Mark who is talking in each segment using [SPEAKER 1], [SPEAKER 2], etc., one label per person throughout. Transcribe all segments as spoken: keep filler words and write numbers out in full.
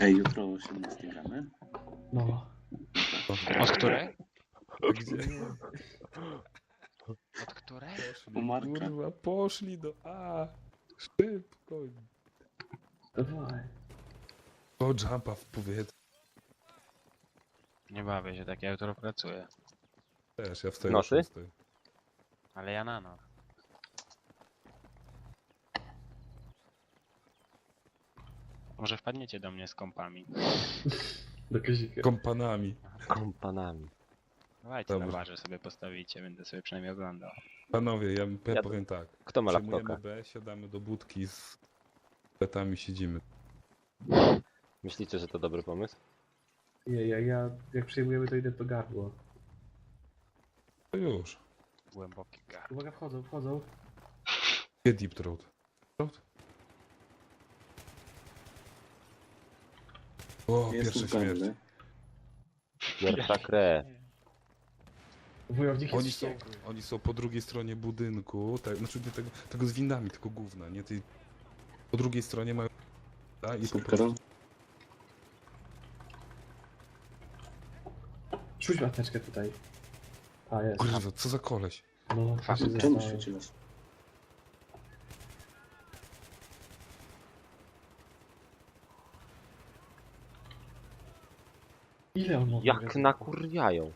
[SPEAKER 1] Ej, jutro o osiemnastej gramy?
[SPEAKER 2] No.
[SPEAKER 3] Od której?
[SPEAKER 4] Gdzie?
[SPEAKER 3] Od której?
[SPEAKER 4] Poszli,
[SPEAKER 1] U Marka.
[SPEAKER 4] kurwa, poszli do A. Szybko.
[SPEAKER 2] Dawaj.
[SPEAKER 4] O, jumpa w powietrze.
[SPEAKER 3] Nie bawię się tak, ja jutro pracuję.
[SPEAKER 4] Też, ja wstaję
[SPEAKER 5] Nocy?
[SPEAKER 4] o szóstej.
[SPEAKER 3] Ale ja na noc. Może wpadniecie do mnie z kompami.
[SPEAKER 2] Do Kazika.
[SPEAKER 4] Kompanami.
[SPEAKER 5] Kompanami.
[SPEAKER 3] Dawajcie na
[SPEAKER 4] Dobrze.
[SPEAKER 3] barze sobie postawicie, będę sobie przynajmniej oglądał.
[SPEAKER 4] Panowie, ja, ja
[SPEAKER 5] Ja-
[SPEAKER 4] powiem tak.
[SPEAKER 5] Kto ma
[SPEAKER 4] Przejmujemy
[SPEAKER 5] laptopa?
[SPEAKER 4] B, siadamy do budki z petami, siedzimy.
[SPEAKER 5] Myślicie, że to dobry pomysł?
[SPEAKER 2] Nie, ja, ja jak przejmujemy to idę to gardło.
[SPEAKER 4] To już.
[SPEAKER 3] Głęboki gar.
[SPEAKER 2] Uwaga, wchodzą, wchodzą.
[SPEAKER 4] Gdzie deep throat? Throat? O,
[SPEAKER 1] Jest
[SPEAKER 4] pierwsza śmierć.
[SPEAKER 1] pewny.
[SPEAKER 5] Pierwsza krew.
[SPEAKER 2] Wojownik jest
[SPEAKER 4] Oni są,
[SPEAKER 2] wściekły.
[SPEAKER 4] oni są po drugiej stronie budynku, tak, znaczy nie tego, tego z windami, tylko gówna, nie? Tej, po drugiej stronie mają... A, i po
[SPEAKER 1] Super.
[SPEAKER 4] prostu...
[SPEAKER 2] Rzuć mateczkę tutaj. A, jest.
[SPEAKER 4] Kurwa, co za koleś?
[SPEAKER 2] No,
[SPEAKER 3] Fuck,
[SPEAKER 2] się
[SPEAKER 1] Czemu
[SPEAKER 2] zostało.
[SPEAKER 1] świeciłeś?
[SPEAKER 2] Ile on ma?
[SPEAKER 5] Jak nakurwiają.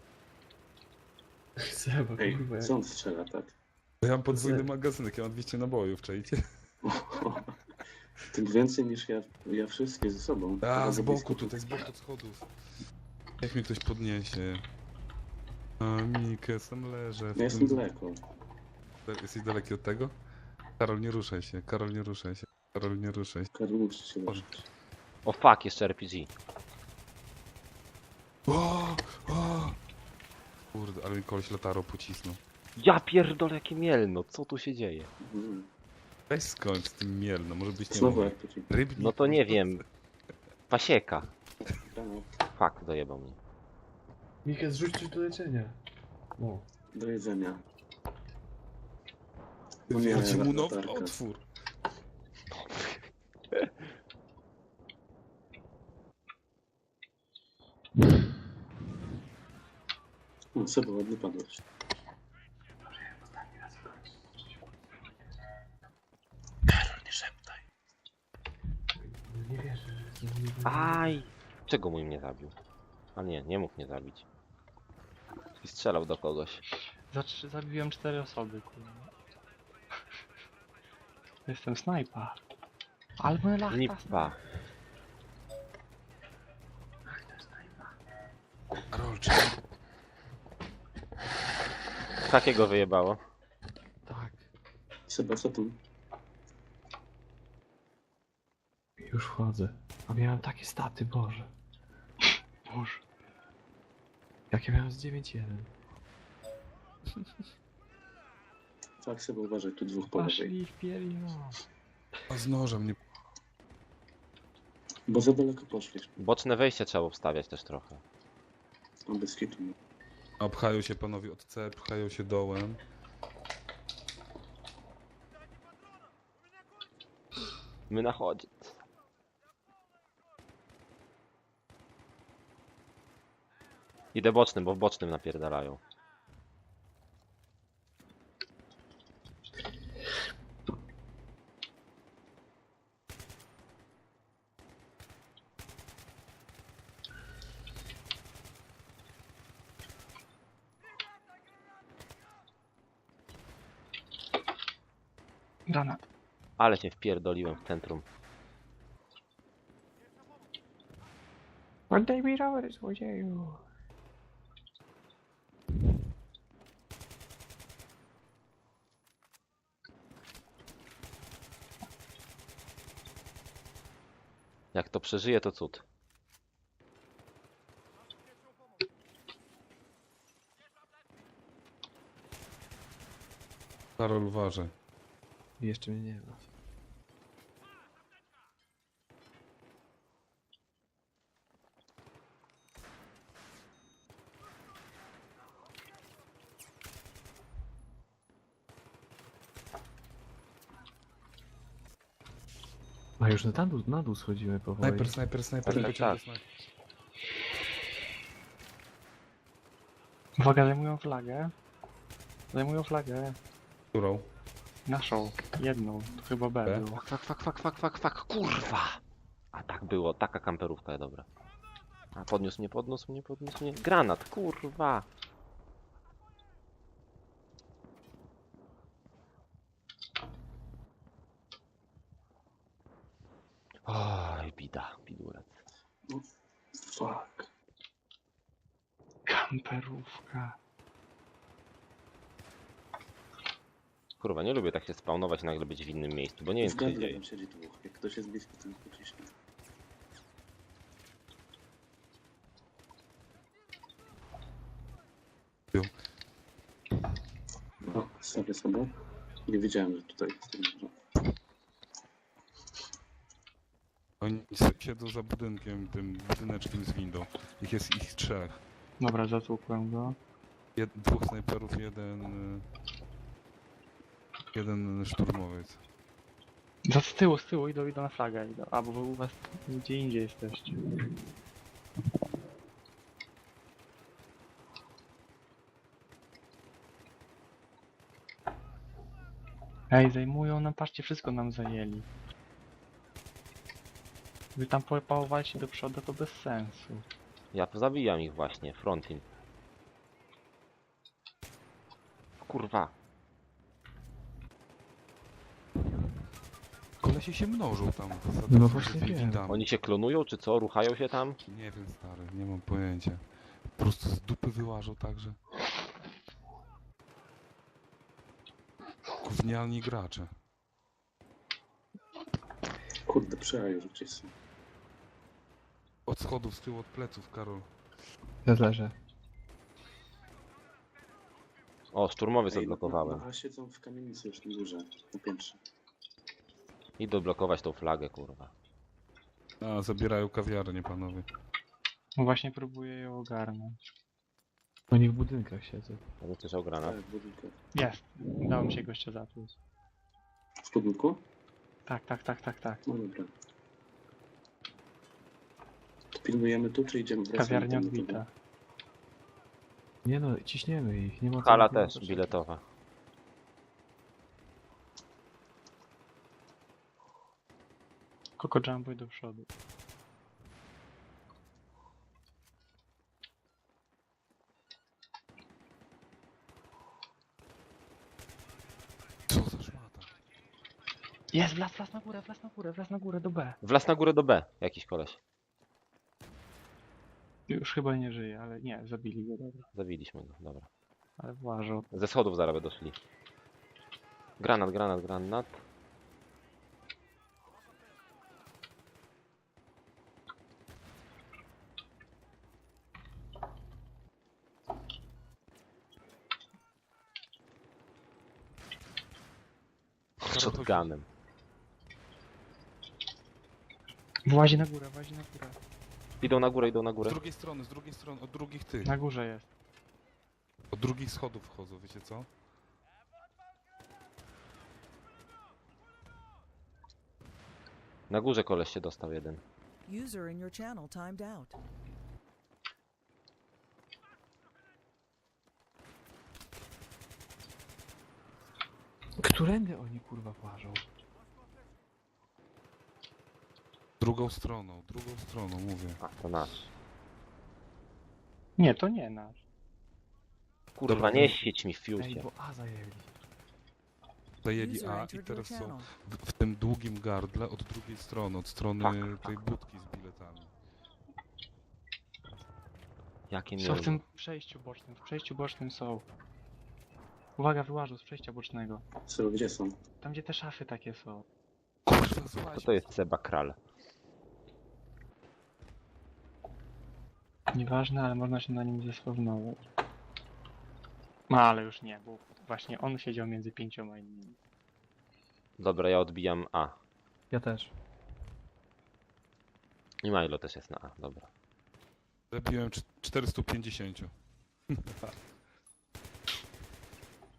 [SPEAKER 2] Seba,
[SPEAKER 1] Ej,
[SPEAKER 2] kurwa, jak...
[SPEAKER 1] co on strzela, tak?
[SPEAKER 4] Bo ja mam podwójny
[SPEAKER 2] Ze-
[SPEAKER 4] magazynek, ja mam dwieście nabojów, czajcie?
[SPEAKER 1] Tym więcej niż ja, ja wszystkie ze sobą.
[SPEAKER 4] A,
[SPEAKER 1] Bardzo
[SPEAKER 4] z boku
[SPEAKER 1] blisko.
[SPEAKER 4] tutaj, z boku schodów. Niech mnie ktoś podniesie. A, Mikę, sam leżę. w
[SPEAKER 1] Ja jestem
[SPEAKER 4] tym-
[SPEAKER 1] daleko.
[SPEAKER 4] Jesteś daleki od tego? Karol, nie ruszaj się, Karol, nie ruszaj się. Karol, nie ruszaj się.
[SPEAKER 1] Karol, muszę się leczyć.
[SPEAKER 5] O fuck, jeszcze R P G.
[SPEAKER 4] O, o! Kurde, ale mi koleś latarą pocisnął.
[SPEAKER 5] Ja pierdolę, jakie mielno, co tu się dzieje?
[SPEAKER 1] Mhm.
[SPEAKER 4] Weź skończ z tym mielno, może być nie
[SPEAKER 1] Znowu
[SPEAKER 4] mój.
[SPEAKER 1] R P G.
[SPEAKER 4] Rybnik.
[SPEAKER 5] No to nie wiem. Pasieka.
[SPEAKER 1] Granat.
[SPEAKER 5] Fuck, dojebał mnie.
[SPEAKER 2] Mikę, zrzuć coś do leczenia. No.
[SPEAKER 1] Do jedzenia. O nie,
[SPEAKER 4] Wchodzi mu nowy
[SPEAKER 1] latarka.
[SPEAKER 4] otwór.
[SPEAKER 1] No, Seba, ładnie padłeś. Karol, nie szeptaj.
[SPEAKER 2] Nie wierzę, że to nie
[SPEAKER 5] Aj! Czego mój mnie zabił? A nie, nie mógł mnie zabić. I strzelał do kogoś.
[SPEAKER 3] Za trzy, zabiłem cztery osoby, kurwa. Jestem snajpa. Albo lachta.
[SPEAKER 5] Nipa.
[SPEAKER 4] Karol, czy...
[SPEAKER 5] Takiego wyjebało.
[SPEAKER 2] Tak.
[SPEAKER 1] Seba, co tu?
[SPEAKER 2] Już wchodzę. A miałem takie staty, Boże. Boże. Jakie miałem z dziewięć jeden.
[SPEAKER 1] Tak, Seba, uważaj, tu dwóch po lewej.
[SPEAKER 3] Poszli w pielino.
[SPEAKER 4] A z nożem nie...
[SPEAKER 1] Bo za daleko poszliśmy.
[SPEAKER 5] Boczne wejście trzeba obstawiać też trochę.
[SPEAKER 1] On bez hitu.
[SPEAKER 4] A pchają się panowie od C, pchają się dołem.
[SPEAKER 5] My na chodzie. Idę bocznym, bo w bocznym napierdalają.
[SPEAKER 3] Granat.
[SPEAKER 5] Ale się wpierdoliłem w centrum.
[SPEAKER 3] Oddaj mi rower, złodzieju.
[SPEAKER 5] Jak to przeżyje, to cud.
[SPEAKER 4] Karol, uważaj.
[SPEAKER 2] Jeszcze mnie nie ma. A już na dół, na dół schodzimy powoli.
[SPEAKER 4] Snajper, snajper, snajper,
[SPEAKER 5] Tak,
[SPEAKER 4] pociągnę
[SPEAKER 5] tak.
[SPEAKER 4] snajper.
[SPEAKER 3] Uwaga, zajmują flagę. Zajmują flagę.
[SPEAKER 4] Którą?
[SPEAKER 3] Naszą. Jedną. To chyba B
[SPEAKER 4] B?
[SPEAKER 3] było.
[SPEAKER 5] Fak, fak, fak, fak, fak, fak, kurwa! A tak było, taka kamperówka, dobra. A podniósł mnie, podniósł mnie, podniósł mnie. Granat, kurwa! Oj, bida, bidulec.
[SPEAKER 1] Fuck.
[SPEAKER 3] Kamperówka.
[SPEAKER 5] Kurwa, nie lubię tak się spawnować i nagle być w innym miejscu, bo nie wiem
[SPEAKER 1] W
[SPEAKER 5] co się
[SPEAKER 1] gardle
[SPEAKER 5] dzieje.
[SPEAKER 1] tam siedzi dwóch. Jak ktoś jest blisko, to nie pociśnie.
[SPEAKER 4] Jo.
[SPEAKER 1] O, stawię sobie. Nie wiedziałem, że tutaj jest. Dobrze.
[SPEAKER 4] Oni s- siedzą za budynkiem, tym budyneczkiem z windą. Ich jest ich trzech.
[SPEAKER 3] Dobra, zatłukłem go.
[SPEAKER 4] Jed, dwóch snajperów, jeden... y, Jeden szturmowiec.
[SPEAKER 3] Za z tyłu, z tyłu idą, idą na flagę. Idą. A, bo wy u was gdzie indziej jesteście. Ej, zajmują nam, patrzcie, wszystko nam zajęli. Wy tam pałowaliście do przodu, to bez sensu.
[SPEAKER 5] Ja zabijam ich właśnie, frontin. Kurwa.
[SPEAKER 4] Kolesie się mnożą tam. Za
[SPEAKER 2] No
[SPEAKER 4] za
[SPEAKER 2] właśnie wiem.
[SPEAKER 4] windami.
[SPEAKER 5] Oni się klonują, czy co? Ruchają się tam?
[SPEAKER 4] Nie wiem, stary, nie mam pojęcia. Po prostu z dupy wyłażą także. Gównialni gracze.
[SPEAKER 1] Kurde, przejają, że gdzieś są.
[SPEAKER 4] Od schodów, z tyłu, od pleców, Karol.
[SPEAKER 2] Ja leżę.
[SPEAKER 5] O, szturmowiec
[SPEAKER 1] Ej,
[SPEAKER 5] odblokowałem.
[SPEAKER 1] A siedzą w kamienicy już na górze, na piętrze.
[SPEAKER 5] Idę odblokować tą flagę, kurwa.
[SPEAKER 4] A, zabierają kawiarnię, panowie.
[SPEAKER 3] No właśnie próbuję ją ogarnąć.
[SPEAKER 2] Oni w budynkach siedzą.
[SPEAKER 5] Ja bym słyszał granat.
[SPEAKER 1] Tak, w budynku.
[SPEAKER 3] Jest. Udało mi się gościa zatłuc.
[SPEAKER 1] W budynku?
[SPEAKER 3] Tak, tak, tak, tak, tak.
[SPEAKER 1] No dobra. To pilnujemy tu, czy idziemy wracamy
[SPEAKER 3] Kawiarnia
[SPEAKER 1] tam do
[SPEAKER 3] odbita.
[SPEAKER 1] tego?
[SPEAKER 2] Nie no, ciśniemy ich, nie ma co
[SPEAKER 5] Hala
[SPEAKER 2] na chwilę
[SPEAKER 5] też,
[SPEAKER 2] poczekać.
[SPEAKER 5] biletowa.
[SPEAKER 3] Koko jumpuj do przodu.
[SPEAKER 4] Co za szmata?
[SPEAKER 3] Jest, wlazł, wlazł na górę, wlazł na górę, wlazł na górę do B.
[SPEAKER 5] Wlazł na górę do B, jakiś koleś.
[SPEAKER 3] Już chyba nie żyje, ale nie, zabili go, dobra.
[SPEAKER 5] Zabiliśmy go, dobra.
[SPEAKER 3] Ale włażą.
[SPEAKER 5] Ze schodów zaraz będą szli. Granat, granat, granat. Shotgunem.
[SPEAKER 3] Włazi na górę, włazi na górę.
[SPEAKER 5] Idą na górę, idą na
[SPEAKER 4] Z
[SPEAKER 5] górę.
[SPEAKER 4] drugiej strony, z drugiej strony, od drugich tych.
[SPEAKER 3] Na górze jest.
[SPEAKER 4] Od drugich schodów wchodzą, wiecie co?
[SPEAKER 5] Na górze koleś się dostał jeden.
[SPEAKER 6] User in your channel timed out.
[SPEAKER 2] Którędy oni kurwa włażą?
[SPEAKER 4] Drugą stroną, drugą stroną, mówię.
[SPEAKER 5] A, to nasz.
[SPEAKER 3] Nie, to nie nasz.
[SPEAKER 5] Kurwa,
[SPEAKER 4] Dobra,
[SPEAKER 5] nie
[SPEAKER 4] to-
[SPEAKER 5] świeć mi w
[SPEAKER 2] Ej,
[SPEAKER 5] fiusie.
[SPEAKER 2] bo A zajęli.
[SPEAKER 4] Zajęli
[SPEAKER 6] User
[SPEAKER 4] A i
[SPEAKER 6] entered your
[SPEAKER 4] teraz są
[SPEAKER 6] channel.
[SPEAKER 4] w, w tym długim gardle od drugiej strony, od strony
[SPEAKER 5] Tak,
[SPEAKER 4] tej budki z biletami.
[SPEAKER 5] Jakie
[SPEAKER 3] Są w
[SPEAKER 5] miły.
[SPEAKER 3] tym przejściu bocznym, w przejściu bocznym są. Uwaga, wyłażą z przejścia bocznego.
[SPEAKER 1] Co, gdzie są?
[SPEAKER 3] Tam gdzie te szafy takie są.
[SPEAKER 4] Kurwa, słuchaj.
[SPEAKER 5] To to jest Seba Kral.
[SPEAKER 3] Nieważne, ale można się na nim zespawnować. No ale już nie, bo właśnie on siedział między pięcioma innymi.
[SPEAKER 5] Dobra, ja odbijam A.
[SPEAKER 2] Ja też.
[SPEAKER 5] I Milo też jest na A, dobra.
[SPEAKER 4] Zabiłem cz- czterysta pięćdziesiąt.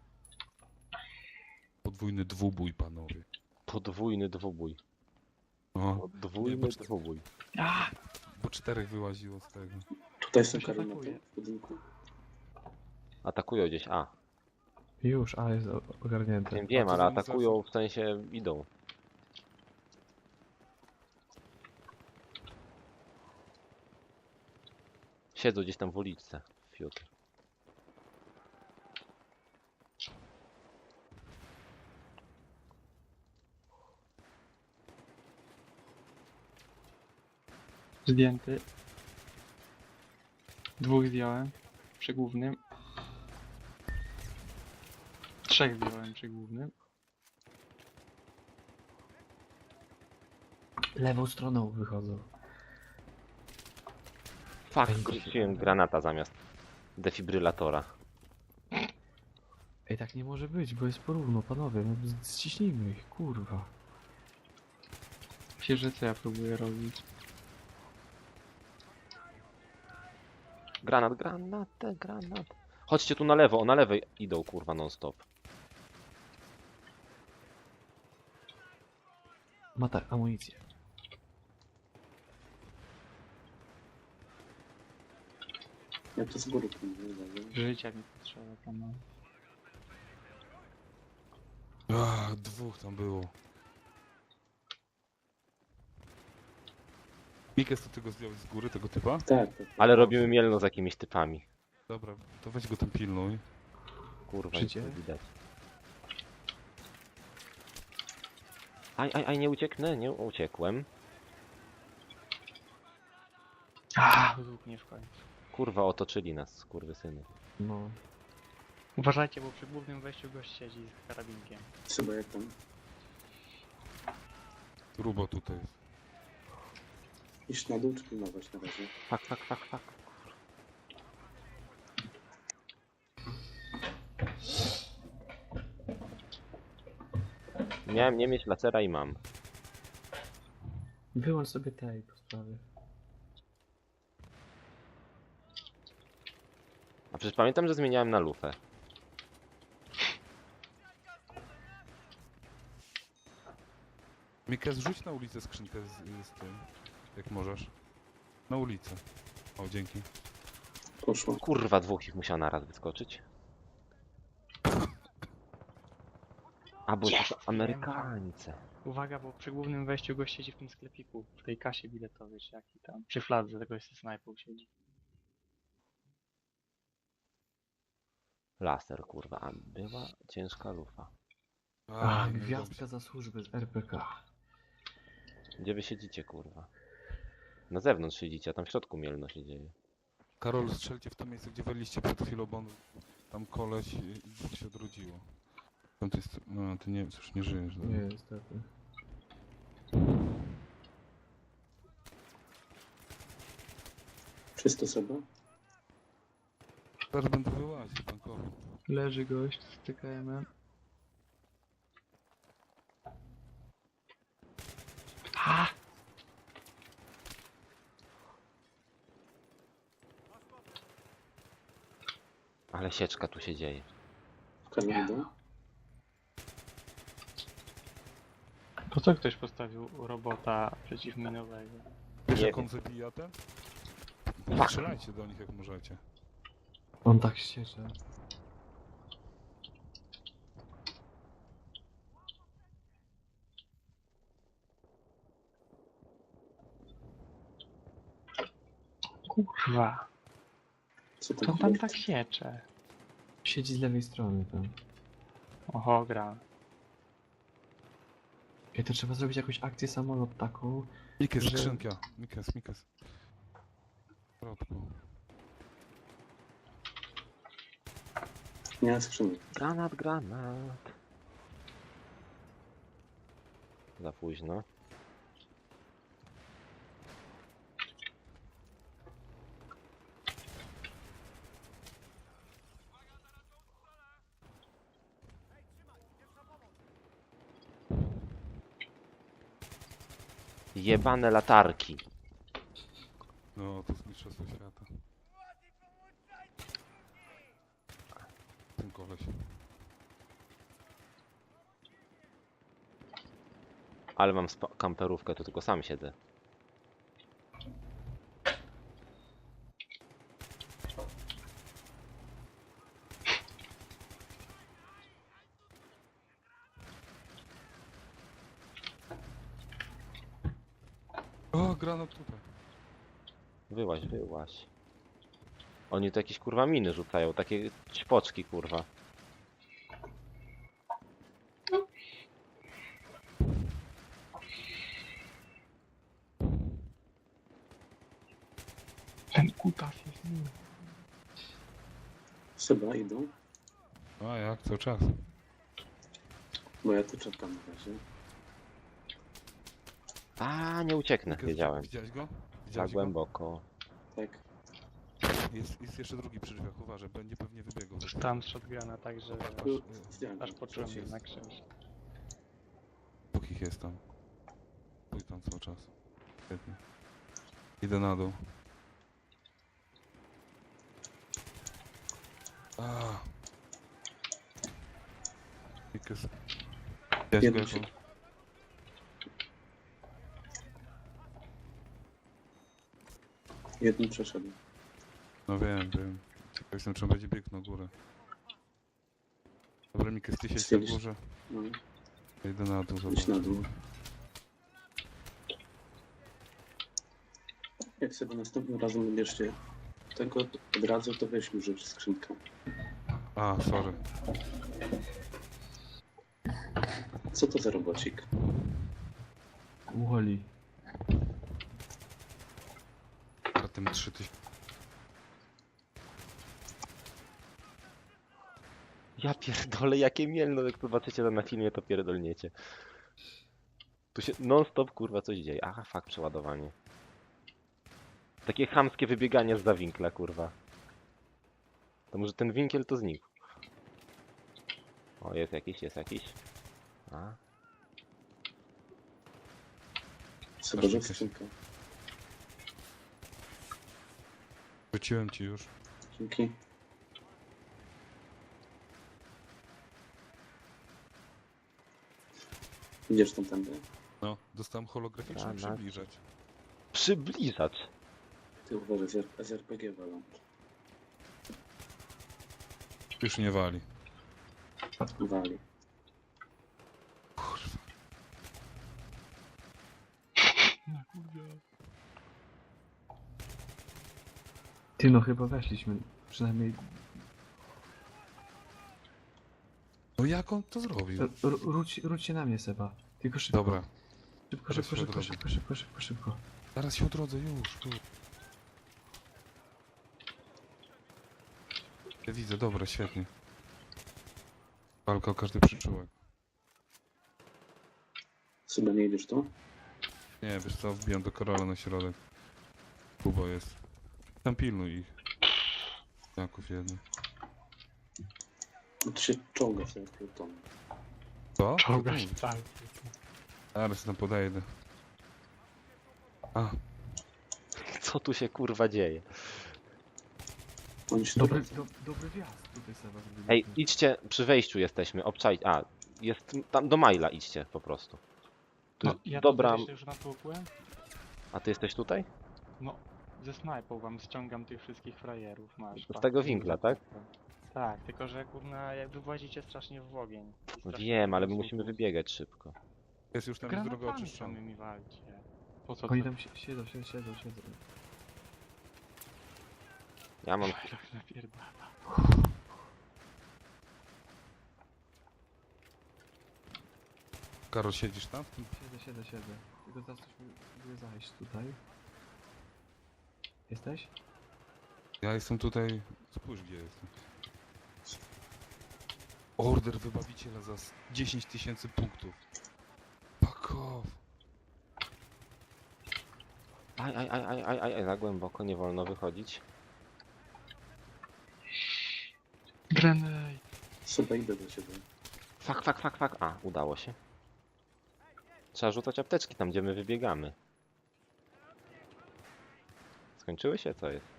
[SPEAKER 4] Podwójny dwubój, panowie.
[SPEAKER 5] Podwójny dwubój.
[SPEAKER 4] O,
[SPEAKER 5] Podwójny
[SPEAKER 4] bo, czte-
[SPEAKER 5] dwubój.
[SPEAKER 3] A!
[SPEAKER 4] bo czterech wyłaziło z tego.
[SPEAKER 1] Tutaj są
[SPEAKER 3] Ktoś
[SPEAKER 1] Karol na
[SPEAKER 3] atakuje.
[SPEAKER 1] tym w budynku.
[SPEAKER 5] Atakują gdzieś, a.
[SPEAKER 2] Już, a jest o- ogarnięte.
[SPEAKER 5] Wiem, wiem,
[SPEAKER 4] to
[SPEAKER 5] ale
[SPEAKER 4] zanim
[SPEAKER 5] atakują, w sensie idą. Siedzą gdzieś tam w uliczce. Fiut.
[SPEAKER 3] Zdjęty. Dwóch zdjąłem. Przy głównym. Trzech zdjąłem przy głównym.
[SPEAKER 2] Lewą stroną wychodzą.
[SPEAKER 5] Fuck,
[SPEAKER 2] Ej,
[SPEAKER 5] wróciłem granata zamiast defibrylatora.
[SPEAKER 2] Ej, tak nie może być, bo jest porówno, panowie. No, z- ściśnijmy ich, kurwa.
[SPEAKER 3] Księżyce ja próbuję robić.
[SPEAKER 5] Granat, granat, granat. Chodźcie tu na lewo, na lewej idą kurwa non stop.
[SPEAKER 2] Ma tak, amunicję.
[SPEAKER 1] Ja to z góry próbuję, dobra.
[SPEAKER 3] Życia mi potrzeba tam. no.
[SPEAKER 4] Ach, dwóch tam było. Mikes, to ty go zdjąłeś z góry, tego typa?
[SPEAKER 1] Tak, tak.
[SPEAKER 5] Ale robimy mielno z jakimiś typami.
[SPEAKER 4] Dobra, to weź go tam pilnuj.
[SPEAKER 5] Kurwa, nic
[SPEAKER 2] Życie?
[SPEAKER 5] nie widać. Aj, aj, aj, nie ucieknę, nie uciekłem.
[SPEAKER 3] A, łuk mnie w końcu.
[SPEAKER 5] Kurwa, otoczyli nas, skurwysyny.
[SPEAKER 2] No.
[SPEAKER 3] Uważajcie, bo przy głównym wejściu gość siedzi z karabinkiem.
[SPEAKER 1] Trzeba jak tam.
[SPEAKER 4] Rubo tutaj jest.
[SPEAKER 1] Iść na dół czy pilnować na razie?
[SPEAKER 5] Fak, fak, fak, fak. Miałem nie mieć lacera i mam.
[SPEAKER 2] Wyłącz sobie tej po sprawie.
[SPEAKER 5] A przecież pamiętam, że zmieniałem na lufę.
[SPEAKER 4] Mikes, rzuć na ulicę skrzynkę z, z tym, jak możesz. Na ulicę. O, dzięki.
[SPEAKER 1] Poszło.
[SPEAKER 5] Kurwa, dwóch ich musiał naraz wyskoczyć. A, bo
[SPEAKER 3] Jest,
[SPEAKER 5] to Amerykańce.
[SPEAKER 3] Uwaga, bo przy głównym wejściu gość siedzi w tym sklepiku, w tej kasie biletowej, czy jaki tam. Przy fladze tego jest snajpą siedzi.
[SPEAKER 5] Laser, kurwa. A była ciężka lufa.
[SPEAKER 2] A,
[SPEAKER 4] Aj,
[SPEAKER 2] gwiazdka za służbę z R P K.
[SPEAKER 5] Gdzie wy siedzicie, kurwa? Na zewnątrz siedzicie, a tam w środku mielno się dzieje.
[SPEAKER 4] Karol, strzelcie w to miejsce, gdzie waliście przed chwilą, bo on, tam koleś i dwóch się odrodziło. Tam to jest... No, ty nie, już nie żyjesz.
[SPEAKER 2] Nie,
[SPEAKER 4] dobra.
[SPEAKER 2] niestety.
[SPEAKER 1] Czysto sobie?
[SPEAKER 4] Teraz będę wyłaził, tankował.
[SPEAKER 3] Leży gość z T K M-em. A!
[SPEAKER 5] Ale sieczka tu się dzieje.
[SPEAKER 1] Karol idą?
[SPEAKER 3] Po co ktoś postawił robota przeciwminowego?
[SPEAKER 4] Wiesz,
[SPEAKER 5] Nie
[SPEAKER 4] jak
[SPEAKER 5] wiem.
[SPEAKER 4] on zabija ten?
[SPEAKER 5] Fuck.
[SPEAKER 4] Strzelajcie do nich, jak możecie.
[SPEAKER 2] On tak ściecze.
[SPEAKER 3] Kurwa,
[SPEAKER 1] Co
[SPEAKER 3] co
[SPEAKER 1] tam
[SPEAKER 3] tam
[SPEAKER 1] chwilę?
[SPEAKER 3] tak siecze?
[SPEAKER 2] Siedzi z lewej strony tam.
[SPEAKER 3] Oho, gra.
[SPEAKER 2] Ej, to trzeba zrobić jakąś akcję samolot taką.
[SPEAKER 4] Mikes,
[SPEAKER 2] Że-
[SPEAKER 4] skrzynka. Mikes, Mikes. W środku.
[SPEAKER 1] Nie ma skrzynek.
[SPEAKER 5] Granat, granat. Za późno. Jebane latarki.
[SPEAKER 4] No, to jest mistrzostwo świata. Ten koleś.
[SPEAKER 5] Ale mam spa- kamperówkę, to tylko sam siedzę.
[SPEAKER 4] O, granat tutaj.
[SPEAKER 5] Wyłaź, wyłaź. Oni tu jakieś kurwa miny rzucają, takie ćpoczki kurwa.
[SPEAKER 3] Ten kutas jest miły.
[SPEAKER 1] Seba idą,
[SPEAKER 4] A jak, cały czas.
[SPEAKER 1] bo ja tu czekam na razie.
[SPEAKER 5] A, nie ucieknę,
[SPEAKER 4] Mikes,
[SPEAKER 5] wiedziałem.
[SPEAKER 4] Widziałeś go?
[SPEAKER 5] Za
[SPEAKER 4] Widziałeś go?
[SPEAKER 5] głęboko.
[SPEAKER 1] Tak.
[SPEAKER 4] Jest, jest jeszcze drugi przy drzwiach, uważaj, będzie pewnie wybiegł.
[SPEAKER 3] Tam z shotguna, także
[SPEAKER 1] Tu
[SPEAKER 4] y,
[SPEAKER 1] zdjąłem.
[SPEAKER 3] aż poczułem
[SPEAKER 1] Coś jest.
[SPEAKER 3] jednak krzyż.
[SPEAKER 4] Dwóch ich jest tam. Stój tam cały czas. Świetnie. Idę na dół. A. Mikes. Widziałeś go
[SPEAKER 1] Jeden
[SPEAKER 4] jako?
[SPEAKER 1] się... Jeden przeszedł.
[SPEAKER 4] No wiem, wiem. Ciekaw jestem, czy on będzie biegł na górę. Dobra, Mikes, ty siedź na
[SPEAKER 1] Stwierdzisz-
[SPEAKER 4] górze.
[SPEAKER 1] No,
[SPEAKER 4] Ja idę na dół,
[SPEAKER 1] idź
[SPEAKER 4] zobacz.
[SPEAKER 1] na dół. Jak sobie następnym razem wybierzcie tego od razu, to weź mi rzecz skrzynkę.
[SPEAKER 4] A, sorry.
[SPEAKER 1] Co to za robocik?
[SPEAKER 2] Woli.
[SPEAKER 4] A tym trzy tysiące.
[SPEAKER 5] Ja pierdolę, jakie mielno, jak zobaczycie to na filmie, to pierdolniecie. Tu się non stop kurwa coś dzieje. Aha, fakt, przeładowanie. Takie chamskie wybieganie z za winkla, kurwa. To może ten winkiel to znikł. O, jest jakiś, jest jakiś. A,
[SPEAKER 1] Seba, rzecz skrzynkę.
[SPEAKER 4] Rzuciłem ci już.
[SPEAKER 1] Dzięki. Idziesz tam tędy?
[SPEAKER 4] No, dostałem holograficzny
[SPEAKER 5] A, na-
[SPEAKER 4] przybliżać.
[SPEAKER 5] przybliżacz.
[SPEAKER 1] Ty uważaj, z R- z R P G walą.
[SPEAKER 4] Już nie wali.
[SPEAKER 1] Wali.
[SPEAKER 4] Kurwa.
[SPEAKER 2] Ty no chyba weszliśmy. Przynajmniej
[SPEAKER 4] No jak on to zrobił?
[SPEAKER 2] r- r- rzuć, rzuć się na mnie, Seba. Tylko szybko.
[SPEAKER 4] Dobra,
[SPEAKER 2] Szybko,
[SPEAKER 4] teraz
[SPEAKER 2] szybko,
[SPEAKER 4] się
[SPEAKER 2] szybko,
[SPEAKER 4] odrodzę.
[SPEAKER 2] szybko, szybko, szybko, szybko.
[SPEAKER 4] zaraz się odrodzę, już, tu. Ja widzę, dobra, świetnie. Walka o każdy przyczółek.
[SPEAKER 1] Seba, nie idziesz tu?
[SPEAKER 4] Nie, wiesz co, wbijam do Karola na środek. Kubo jest. Tam pilnuj ich. Jaków jeden.
[SPEAKER 1] No to się czołga sobie pluton.
[SPEAKER 4] Co?
[SPEAKER 3] Czołga
[SPEAKER 4] Co
[SPEAKER 3] się
[SPEAKER 4] ty
[SPEAKER 3] cały.
[SPEAKER 4] mówisz? Zaraz tam podejdę. A,
[SPEAKER 5] Co tu się kurwa dzieje?
[SPEAKER 1] Oni się
[SPEAKER 2] Dobry,
[SPEAKER 1] tu
[SPEAKER 2] do, dobry wjazd tutaj, Seba. zrobiliśmy.
[SPEAKER 5] Ej, idźcie, przy wejściu jesteśmy, obczaj... A, jest tam do Maila idźcie po prostu. Tu
[SPEAKER 3] No,
[SPEAKER 5] jest
[SPEAKER 3] ja
[SPEAKER 5] dobra...
[SPEAKER 3] Dobra. już natłukłem.
[SPEAKER 5] A ty jesteś tutaj?
[SPEAKER 3] No, ze snajpą wam ściągam tych wszystkich frajerów, masz.
[SPEAKER 5] Z
[SPEAKER 3] patrz,
[SPEAKER 5] tego
[SPEAKER 3] tu
[SPEAKER 5] winkla,
[SPEAKER 3] dużo
[SPEAKER 5] tak?
[SPEAKER 3] tego. Tak, tylko że kurna, jak wy włazicie strasznie w ogień. I strasznie
[SPEAKER 5] Wiem, ale my
[SPEAKER 3] dużo
[SPEAKER 5] musimy
[SPEAKER 3] łuków.
[SPEAKER 5] wybiegać szybko.
[SPEAKER 4] jest już tam jest droga
[SPEAKER 3] Granatami
[SPEAKER 4] oczyszczona.
[SPEAKER 3] samymi walcie. Po co
[SPEAKER 2] Oni
[SPEAKER 3] to?
[SPEAKER 2] tam si- siedzą, siedzą, siedzą, siedzą.
[SPEAKER 5] Ja mam...
[SPEAKER 3] Tak napierdala.
[SPEAKER 4] Karol, siedzisz tam?
[SPEAKER 2] Siedzę, siedzę, siedzę. Tylko zaraz coś mi zajść tutaj. Jesteś?
[SPEAKER 4] Ja jestem tutaj... Spójrz gdzie jestem. Order wybawiciela za s- dziesięć tysięcy punktów. Fuck off.
[SPEAKER 5] Aj, aj, aj, aj, aj, aj, aj, za głęboko, nie wolno wychodzić.
[SPEAKER 3] Grenade.
[SPEAKER 1] Seba, idę do ciebie.
[SPEAKER 5] Fak, fak, fak, fak. A, udało się. Trzeba rzucać apteczki tam, gdzie my wybiegamy. Skończyły się? Co jest?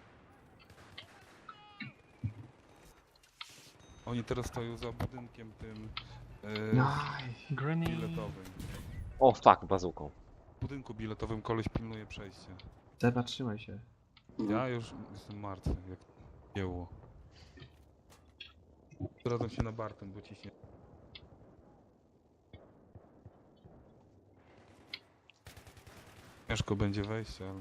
[SPEAKER 4] Oni teraz stoją za budynkiem tym... Yy,
[SPEAKER 2] Aj.
[SPEAKER 3] Grenade.
[SPEAKER 4] biletowym.
[SPEAKER 5] O fuck, bazuką.
[SPEAKER 4] W budynku biletowym koleś pilnuje przejście.
[SPEAKER 2] Seba, trzymaj się.
[SPEAKER 1] No.
[SPEAKER 4] Ja już jestem martwy, jak jęło. Zdradzam się na Bartem, bo ciśnie. Ciężko będzie wejść, ale...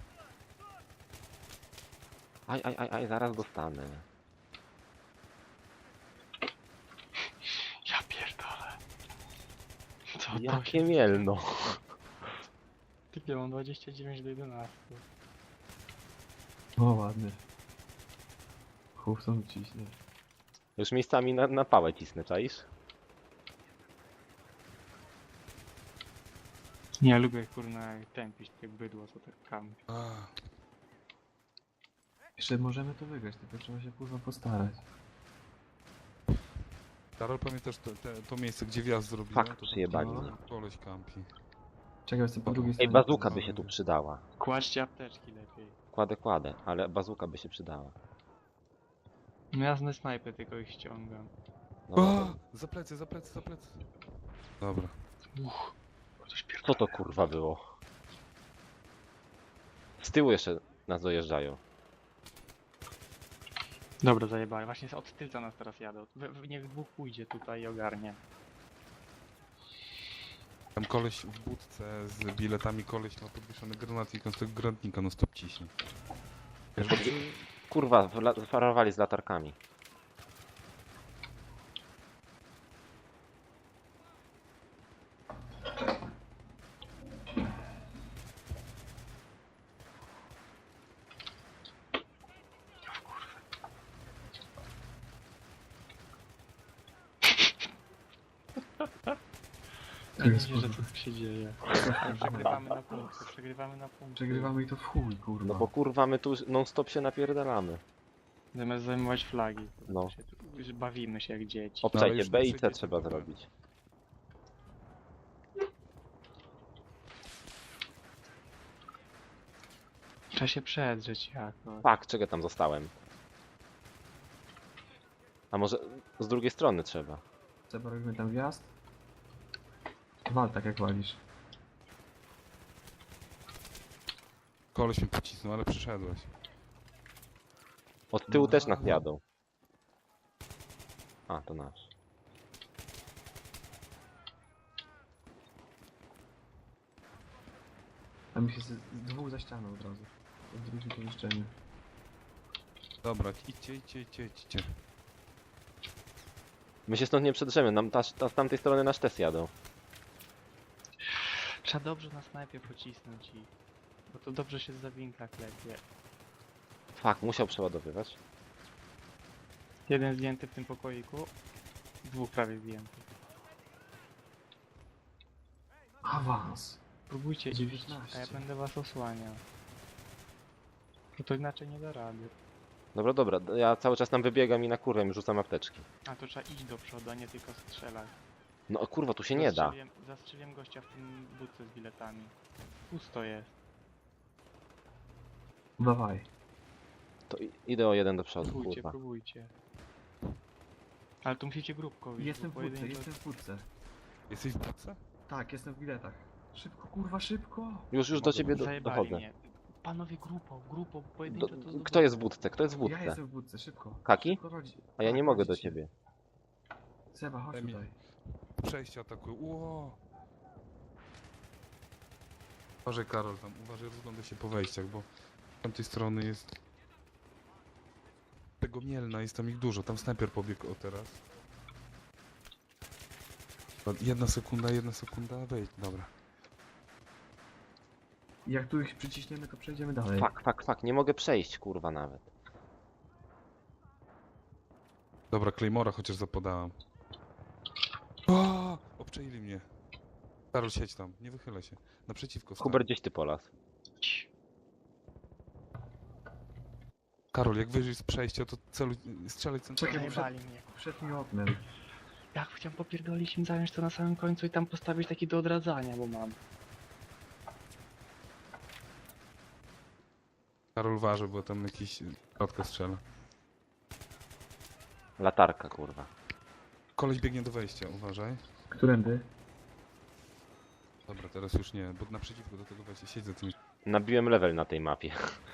[SPEAKER 5] Aj, aj, aj, aj, zaraz dostanę.
[SPEAKER 3] Ja pierdolę. Co to
[SPEAKER 5] Jakie mielno.
[SPEAKER 3] Typie, mam dwadzieścia dziewięć do jedenastu.
[SPEAKER 2] O, ładny. Hufton ciśnie.
[SPEAKER 5] Już miejscami na, na pałę cisnę, czaisz?
[SPEAKER 3] Nie, ja lubię kurna tępić takie bydło, co tak kam.
[SPEAKER 4] A,
[SPEAKER 2] Jeszcze możemy to wygrać, tylko trzeba się kurwa postarać.
[SPEAKER 4] Karol, pamiętasz to, te, to miejsce, gdzie wjazd zrobiłem?
[SPEAKER 5] Fakt,
[SPEAKER 4] To tam
[SPEAKER 5] przyjebali
[SPEAKER 2] no.
[SPEAKER 5] mnie.
[SPEAKER 4] koleś kampi.
[SPEAKER 2] Czekaj, jestem po drugiej
[SPEAKER 5] Ej,
[SPEAKER 2] stronie.
[SPEAKER 5] bazuka by się tu przydała.
[SPEAKER 3] Kładźcie apteczki lepiej.
[SPEAKER 5] Kładę, kładę, ale bazuka by się przydała.
[SPEAKER 3] Miazny snajpy, tylko ich ściągam.
[SPEAKER 5] No,
[SPEAKER 4] O, za plecy, za plecy, za plecy. Dobra.
[SPEAKER 3] Uch, coś
[SPEAKER 5] co
[SPEAKER 3] pierdolę.
[SPEAKER 5] to kurwa było? Z tyłu jeszcze nas dojeżdżają.
[SPEAKER 3] Dobra, zajebali. Właśnie od tylca nas teraz jadą. We, we, niech dwóch pójdzie tutaj i ogarnie.
[SPEAKER 4] Tam koleś w budce z biletami, koleś ma podwieszony granatnik, on z tego granatnika no stop ciśnie. Wiesz,
[SPEAKER 5] Pod... Kurwa, wla- farowali z latarkami.
[SPEAKER 3] Nie wiecie, że co tu się dzieje. Przegrywamy na punkty, przegrywamy na punkty.
[SPEAKER 2] Przegrywamy i to w chuj, kurwa.
[SPEAKER 5] No bo kurwa, my tu non stop się napierdalamy.
[SPEAKER 3] Zamiast zajmować flagi.
[SPEAKER 5] No.
[SPEAKER 3] Się tu- już bawimy się jak dzieci.
[SPEAKER 4] ale
[SPEAKER 5] Obczajcie,
[SPEAKER 4] już
[SPEAKER 5] B i
[SPEAKER 4] nie
[SPEAKER 5] C
[SPEAKER 4] przyjdzie
[SPEAKER 5] trzeba
[SPEAKER 4] to
[SPEAKER 5] zrobić.
[SPEAKER 3] Trzeba się przedrzeć jakoś.
[SPEAKER 5] Fuck, czego tam zostałem? A może z drugiej strony trzeba?
[SPEAKER 2] Seba, robimy tam wjazd? Wal tak jak walisz.
[SPEAKER 4] koleś mnie pocisnął, ale przyszedłeś.
[SPEAKER 5] Od tyłu
[SPEAKER 2] No,
[SPEAKER 5] też nas
[SPEAKER 2] no.
[SPEAKER 5] jadą. A, to nasz.
[SPEAKER 2] Tam się z, z dwóch za ścianą od razu. W drugim pomieszczeniu.
[SPEAKER 4] Dobra, idźcie, idźcie, idźcie, idźcie.
[SPEAKER 5] My się stąd nie przedrzemy, nam ta, ta, z tamtej strony nasz też jadą.
[SPEAKER 3] Trzeba dobrze na snajpie pocisnąć i... Bo to dobrze się z zawinka klepie.
[SPEAKER 5] Fuck, musiał przeładowywać.
[SPEAKER 3] Jeden zdjęty w tym pokoiku. Dwóch prawie zdjętych.
[SPEAKER 2] Awans.
[SPEAKER 3] Próbujcie iść, a ja
[SPEAKER 2] dziewiętnaście.
[SPEAKER 3] będę was osłaniał. No to inaczej nie da rady.
[SPEAKER 5] Dobra, dobra, ja cały czas tam wybiegam i na kurwę mi rzucam apteczki.
[SPEAKER 3] A to trzeba iść do przodu, a nie tylko strzelać.
[SPEAKER 5] No kurwa, tu się nie da.
[SPEAKER 3] Zastrzeliłem- Zastrzeliłem gościa w tym budce z biletami. Pusto jest.
[SPEAKER 2] Dawaj.
[SPEAKER 5] To i- idę o jeden do przodu,
[SPEAKER 3] Próbujcie,
[SPEAKER 5] kurwa.
[SPEAKER 3] próbujcie. Ale tu musicie grupką iść,
[SPEAKER 2] Jestem w
[SPEAKER 3] bo
[SPEAKER 2] budce,
[SPEAKER 3] pojedynczo-
[SPEAKER 2] jestem w budce.
[SPEAKER 4] Jesteś w budce?
[SPEAKER 2] Tak, jestem w biletach. Szybko, kurwa, szybko.
[SPEAKER 5] Już, już do ciebie do,
[SPEAKER 3] Zajebali
[SPEAKER 5] dochodzę.
[SPEAKER 3] mnie. Panowie grupą, grupą,
[SPEAKER 5] Do,
[SPEAKER 3] pojedynczo to
[SPEAKER 5] kto jest w budce? Kto jest w
[SPEAKER 2] Ja
[SPEAKER 5] budce?
[SPEAKER 2] jestem w budce, szybko.
[SPEAKER 5] Kaki?
[SPEAKER 2] Szybko chodź.
[SPEAKER 5] A ja
[SPEAKER 2] Tak,
[SPEAKER 5] nie mogę do
[SPEAKER 2] chodźcie.
[SPEAKER 5] ciebie.
[SPEAKER 2] Seba, chodź
[SPEAKER 4] Emi-
[SPEAKER 2] tutaj.
[SPEAKER 4] Przejście atakują. Ło! Uważaj, Karol, tam uważaj, rozglądaj się po wejściach, bo z tamtej strony jest... Tego Mielna, jest tam ich dużo, tam snajper pobiegł o teraz. Jedna sekunda, jedna sekunda, wejdź, dobra.
[SPEAKER 2] Jak tu ich przyciśniemy, to przejdziemy dalej.
[SPEAKER 5] Fuck, fuck, fuck, nie mogę przejść, kurwa, nawet.
[SPEAKER 4] Dobra, Claymora chociaż zapodałem. O! Obczajili mnie. Karol, siedź tam, nie wychylaj się. Naprzeciwko stań.
[SPEAKER 5] Hubert, gdzieś ty polas.
[SPEAKER 4] Karol, jak wyjrzysz z przejścia, to celuj, strzelaj centralnie.
[SPEAKER 2] Czekaj,
[SPEAKER 3] Zajebali mnie.
[SPEAKER 2] Przed mi oknem.
[SPEAKER 3] Jak chciałem popierdolić im zająć to na samym końcu i tam postawić taki do odradzania, bo mam.
[SPEAKER 4] Karol waży, bo tam jakiś środka strzela.
[SPEAKER 5] Latarka, kurwa.
[SPEAKER 4] Koleś biegnie do wejścia, uważaj.
[SPEAKER 2] Którędy?
[SPEAKER 4] Dobra, teraz już nie, bo naprzeciwko do tego właśnie siedzę tymi...
[SPEAKER 5] Nabiłem level na tej mapie.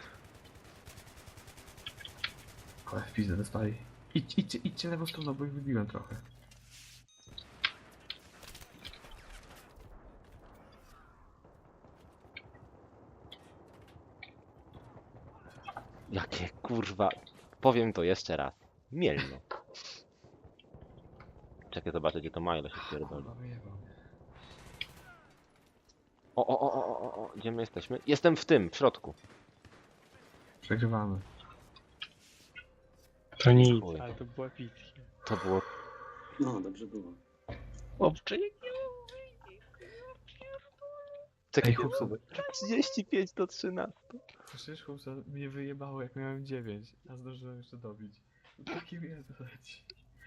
[SPEAKER 2] Ale w pizdę dostali. Idź, idźcie, idźcie lewą stroną, bo ich wybiłem trochę.
[SPEAKER 5] Jakie kurwa... Powiem to jeszcze raz. Mielno. Czekaj, zobaczę gdzie to Milo się pierdoli.
[SPEAKER 2] Kurwa, wyjebał.
[SPEAKER 5] O, o, o, o, o, o, gdzie my jesteśmy? Jestem w tym, w środku.
[SPEAKER 2] Przegrywamy.
[SPEAKER 3] To nic,
[SPEAKER 5] Chuj.
[SPEAKER 3] ale to było epickie.
[SPEAKER 5] To było...
[SPEAKER 1] No, dobrze było.
[SPEAKER 3] Chłopcze,
[SPEAKER 5] Czekaj,
[SPEAKER 2] Ej, chłopca,
[SPEAKER 5] trzydzieści pięć do trzynastu.
[SPEAKER 2] przecież chłopca mnie wyjebało jak miałem dziewięć, a zdążyłem jeszcze dobić. Taki mnie leci.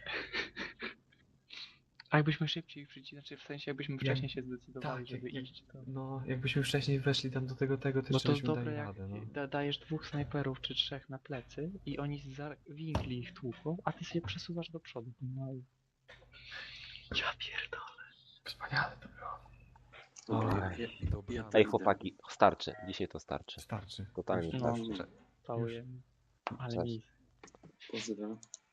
[SPEAKER 3] A jakbyśmy szybciej przyci, znaczy w sensie jakbyśmy wcześniej się zdecydowali,
[SPEAKER 2] tak,
[SPEAKER 3] żeby
[SPEAKER 2] jak-
[SPEAKER 3] iść, to...
[SPEAKER 2] No, jakbyśmy wcześniej weszli tam do tego, tego, to
[SPEAKER 3] No to
[SPEAKER 2] żeśmy
[SPEAKER 3] dobre
[SPEAKER 2] dali
[SPEAKER 3] jak
[SPEAKER 2] radę, no.
[SPEAKER 3] da, dajesz dwóch snajperów czy trzech na plecy i oni za winkli ich tłuką, a ty się przesuwasz do przodu. No i... Ja pierdolę.
[SPEAKER 2] Wspaniale to było.
[SPEAKER 1] Dobra,
[SPEAKER 5] Oj.
[SPEAKER 1] ja, ja,
[SPEAKER 4] Dobra.
[SPEAKER 1] ja
[SPEAKER 5] Ej
[SPEAKER 1] to idę.
[SPEAKER 5] chłopaki, starczy. Dzisiaj to starczy.
[SPEAKER 2] Starczy.
[SPEAKER 5] Totalnie
[SPEAKER 2] Już-
[SPEAKER 3] No,
[SPEAKER 5] starczy.
[SPEAKER 2] już-
[SPEAKER 3] całujemy. Ale
[SPEAKER 5] Cześć.
[SPEAKER 3] nic.
[SPEAKER 1] Pozywa.